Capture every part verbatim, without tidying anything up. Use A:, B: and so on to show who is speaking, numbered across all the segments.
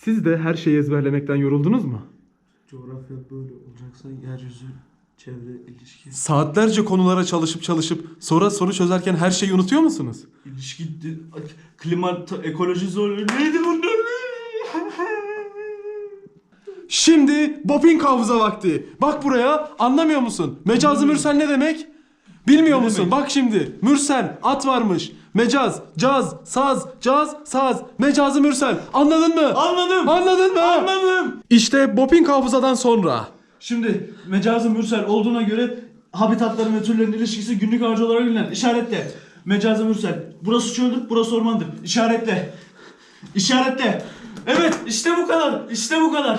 A: Siz de her şeyi ezberlemekten yoruldunuz mu?
B: Coğrafya böyle olacaksa yeryüzü, çevre, ilişki.
A: Saatlerce konulara çalışıp çalışıp sonra soru çözerken her şeyi unutuyor musunuz?
B: İlişki, di- klima, ta- ekoloji zor. Neydi bunlar?
A: Şimdi Boping hafıza vakti. Bak buraya, anlamıyor musun? Mecazı mürsel ne demek? Bilmiyor
B: Ne
A: musun?
B: demek?
A: Bak şimdi. Mürsel, at varmış. Mecaz, caz, saz, caz, saz. Mecazı mürsel. Anladın mı?
B: Anladım.
A: Anladın mı?
B: Anladım.
A: İşte Boping hafızadan sonra.
B: Şimdi mecazı mürsel olduğuna göre habitatların ve türlerin ilişkisi günlük ağacı olarak bilinen. İşaretle. Mecazı mürsel. Burası çöldür, burası ormandır. İşaretle. İşaretle. Evet, işte bu kadar. İşte bu kadar.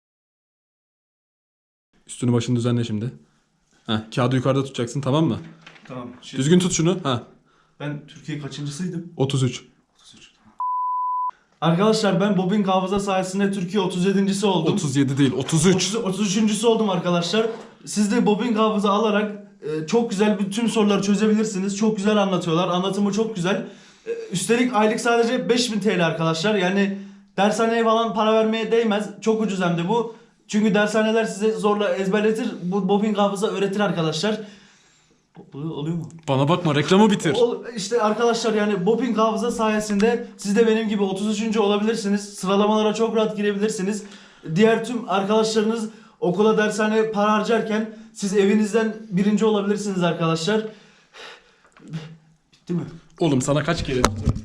A: Üstünü başını düzenle şimdi. Heh, kağıdı yukarıda tutacaksın, tamam mı?
B: Tamam. Şimdi
A: Düzgün tut şunu. Heh,
B: ben Türkiye kaçıncısıydım?
A: otuz üç.
B: otuz üç. Arkadaşlar ben Boping hafıza sayesinde Türkiye otuz yedincisi oldum.
A: otuz yedi değil, otuz üç.
B: otuz, otuz üçüncüsü oldum arkadaşlar. Siz de Boping hafıza alarak e, çok güzel bütün soruları çözebilirsiniz. Çok güzel anlatıyorlar. Anlatımı çok güzel. E, üstelik aylık sadece beş bin T L arkadaşlar. Yani dershaneye falan para vermeye değmez. Çok ucuz hem de bu. Çünkü dershaneler size zorla ezberletir. Bu Boping hafıza öğretir arkadaşlar. Bu oluyor mu?
A: Bana bakma, reklamı bitir.
B: O, işte arkadaşlar yani Boping hafıza sayesinde siz de benim gibi otuz üçüncü olabilirsiniz. Sıralamalara çok rahat girebilirsiniz. Diğer tüm arkadaşlarınız okula dershaneye para harcarken siz evinizden birinci olabilirsiniz arkadaşlar. Bitti mi?
A: Oğlum sana kaç kere...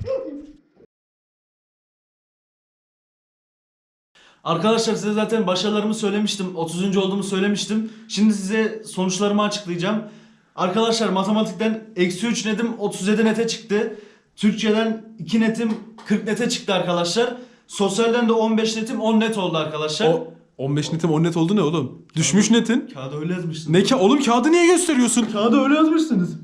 B: Arkadaşlar size zaten başarılarımı söylemiştim. otuzuncu olduğumu söylemiştim. Şimdi size sonuçlarımı açıklayacağım. Arkadaşlar matematikten eksi üç netim otuz yedi nete çıktı. Türkçeden iki netim kırk nete çıktı arkadaşlar. Sosyalden de on beş netim on net oldu arkadaşlar.
A: O on beş netim on net oldu ne oğlum? Düşmüş netin.
B: Kağıda öyle yazmışsınız.
A: Ne ka oğlum, kağıdı niye gösteriyorsun?
B: Kağıda öyle yazmışsınız.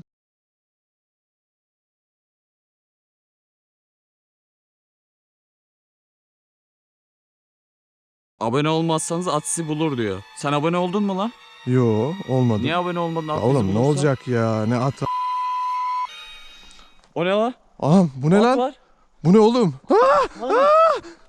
C: Abone olmazsanız at sizi bulur diyor. Sen abone oldun mu lan?
D: Yo olmadı.
C: Niye abone olmadın?
D: Ya
C: At bizi
D: oğlum ne
C: bulursa?
D: olacak ya, ne at.
C: O ne lan?
D: Anam bu ne
C: At
D: lan?
C: var.
D: Bu ne oğlum? Ah! Ah!